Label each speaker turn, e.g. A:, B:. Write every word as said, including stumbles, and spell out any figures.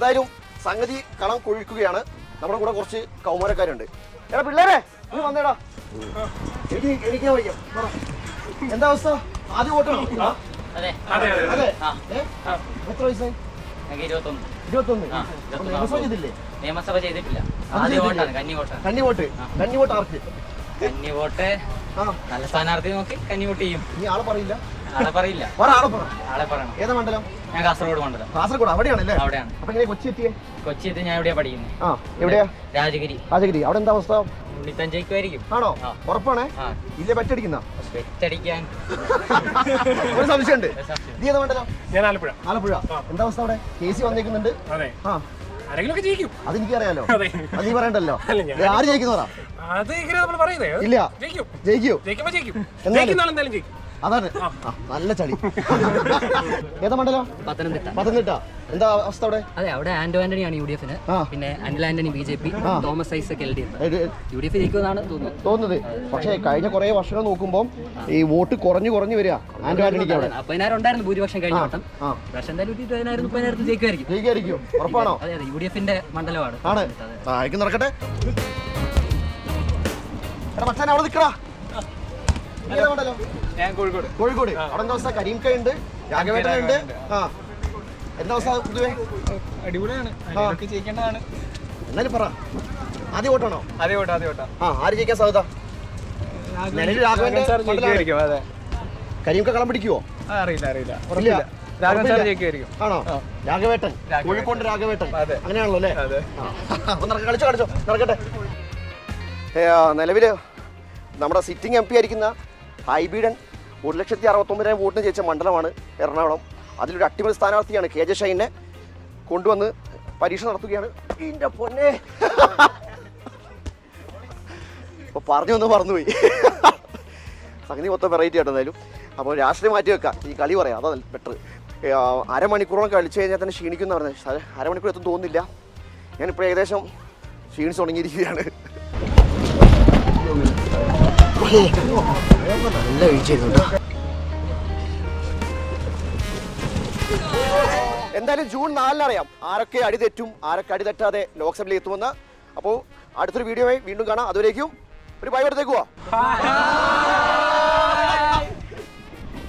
A: എന്തായാലും സംഗതി കളം കൊഴിക്കുകയാണ്. നമ്മുടെ കൂടെ കുറച്ച് കൗമാരക്കാരുണ്ട്. എടാ പിള്ളേരെ നീ വന്നേടാ. എനിക്ക് എനിക്ക് വയ്യ. എന്താ അവസ്ഥ? ആദ്യം വോട്ടാണോ? എത്ര വയസ്സായി? ഇരുപത്തൊന്ന്. നിയമസഭ ചെയ്തില്ലേ?
B: നിയമസഭ ചെയ്തിട്ടില്ല.
A: കന്നി വോട്ട്. കന്നി വോട്ട് ആർക്ക്?
B: കന്നി വോട്ട് നല്ല സ്ഥാനാർത്ഥി നോക്കി കന്നി വോട്ട് ചെയ്യും.
A: നീ ആളെ പറയില്ല?
B: ആളെ പറയില്ല.
A: ആളെ പറയണം. ഏതാ മണ്ഡലം?
B: ഞാൻ കാസർഗോഡ് മണ്ഡലം.
A: കാസർഗോഡ് അവിടെയാണല്ലേ?
B: അവിടെയാണ്.
A: അപ്പൊ എങ്ങനെ കൊച്ചി എത്തിയേ?
B: കൊച്ചി എത്തി ഞാൻ എവിടെയാ പഠിക്കുന്നത്?
A: ആ എവിടെയാ?
B: രാജഗിരി.
A: രാജഗിരി. അവിടെ എന്താ അവസ്ഥ?
B: ഉണ്ണിത്തഞ്ചയ്ക്കുമായിരിക്കും.
A: ആണോ? ഉറപ്പാണേ? ഇല്ലേ പറ്റടിക്കുന്ന?
B: പെറ്റടിക്കാൻ
A: ഒരു സംശയമുണ്ട്. നീ ഏതാ മണ്ഡലം?
C: ഞാൻ ആലപ്പുഴ.
A: ആലപ്പുഴ. എന്താ അവസ്ഥ അവിടെ? കേസി വന്നേക്കുന്നുണ്ട്.
C: ആ
A: അതെനിക്കറിയാലോ. അത് നീ പറയണ്ടല്ലോ. ആര് ജയിക്കുന്നവരാ? ഇല്ല ജയിക്കൂ. അതാണ് നല്ല ചളി. ഏതാ മണ്ഡലം?
B: പത്തനംതിട്ട.
A: പത്തനംതിട്ട. എന്താ അവസ്ഥ അവിടെ?
B: അതെ, അവിടെ ആന്റോ ആന്റണിയാണ് യു ഡി എഫിന്. പിന്നെ Anil Antony B J P, Thomas Isaac L D F. U D F ജയിക്കുമെന്നാണ്
A: തോന്നുന്നത്. പക്ഷേ കഴിഞ്ഞ കുറെ വർഷങ്ങൾ നോക്കുമ്പോൾ ഈ വോട്ട് കുറഞ്ഞു കുറഞ്ഞു വരിക ആന്റോ ആന്റണിക്ക്. അവിടെ
B: പതിനായിരം ഉണ്ടായിരുന്നു ഭൂരിപക്ഷം കഴിഞ്ഞ വട്ടം. പക്ഷെ എന്തായാലും പതിനായിരം മുപ്പതിനായിരത്തിൽ ജയിക്കുമായിരിക്കും.
A: ജയിക്കുമായിരിക്കും ഉറപ്പാണോ?
B: അതെ അതെ, യു ഡി എഫിന്റെ മണ്ഡലമാണ്.
A: ആണ്. ആയിരിക്കും നടക്കട്ടെ. മച്ചാൻ അവിടെ നിൽക്കടാ.
C: കോഴിക്കോട്.
A: കോഴിക്കോട്. അവിടെ എന്താ അവസ്ഥ? കരീംക ഉണ്ട്, രാഘവേട്ടനുണ്ട്. ആ എന്താ അവസ്ഥ പൊതുവെ?
C: അടിപൊളിയാണ്. ജയിക്കേണ്ടതാണ്.
A: എന്നാലും പറ, ആദ്യ വോട്ടാണോ?
C: അതേ വോട്ട് അതേ വോട്ടാ.
A: ആ ആര് ജയിക്കാൻ സാധ്യത? രാഘവന്റെ കരീംക കളം പിടിക്കുവോ?
C: അറിയില്ല അറിയില്ല
A: ആണോ? രാഘവേട്ടൻ, കോഴിക്കോട് രാഘവേട്ടൻ. അങ്ങനെയാണല്ലോ അല്ലേ? കളിച്ചോ കളിച്ചോ നടക്കട്ടെ. നിലവില് നമ്മുടെ സിറ്റിംഗ് എം പി ആയിരിക്കുന്ന ഹൈബീഡൻ ഒരു ലക്ഷത്തി അറുപത്തൊമ്പതിനായിരം വോട്ടിന് ജയിച്ച മണ്ഡലമാണ് എറണാകുളം. അതിലൊരു അട്ടിമറി സ്ഥാനാർത്ഥിയാണ് കെ ജെ ഷൈനെ കൊണ്ടുവന്ന് പരീക്ഷ നടത്തുകയാണ്. ഇതിൻ്റെ പൊന്നെ ഇപ്പോൾ പറഞ്ഞു വന്ന് മറന്നുപോയി. സംഗതി മൊത്തം വെറൈറ്റി ആയിട്ട് എന്തായാലും. അപ്പോൾ രാഷ്ട്രീയം മാറ്റി വെക്കാം, ഈ കളി പറയാം, അതാ ബെറ്റർ. അരമണിക്കൂറോളം കളിച്ചു കഴിഞ്ഞാൽ തന്നെ ക്ഷീണിക്കുന്ന പറഞ്ഞത്. അരമണിക്കൂർ എത്തും തോന്നുന്നില്ല. ഞാനിപ്പോൾ ഏകദേശം ക്ഷീണിച്ച് തുടങ്ങിയിരിക്കുകയാണ്. നല്ല വീഴ്ചയുണ്ട്. എന്തായാലും ജൂൺ നാലിനറിയാം ആരൊക്കെ അടി തെറ്റും ആരൊക്കെ അടി തെറ്റാതെ ലോക്സഭയിൽ എത്തുമെന്ന്. അപ്പോൾ അടുത്തൊരു വീഡിയോയിൽ വീണ്ടും കാണാം. അതുവരേക്കും ഒരു ബൈ എടുത്തേക്കുവാ.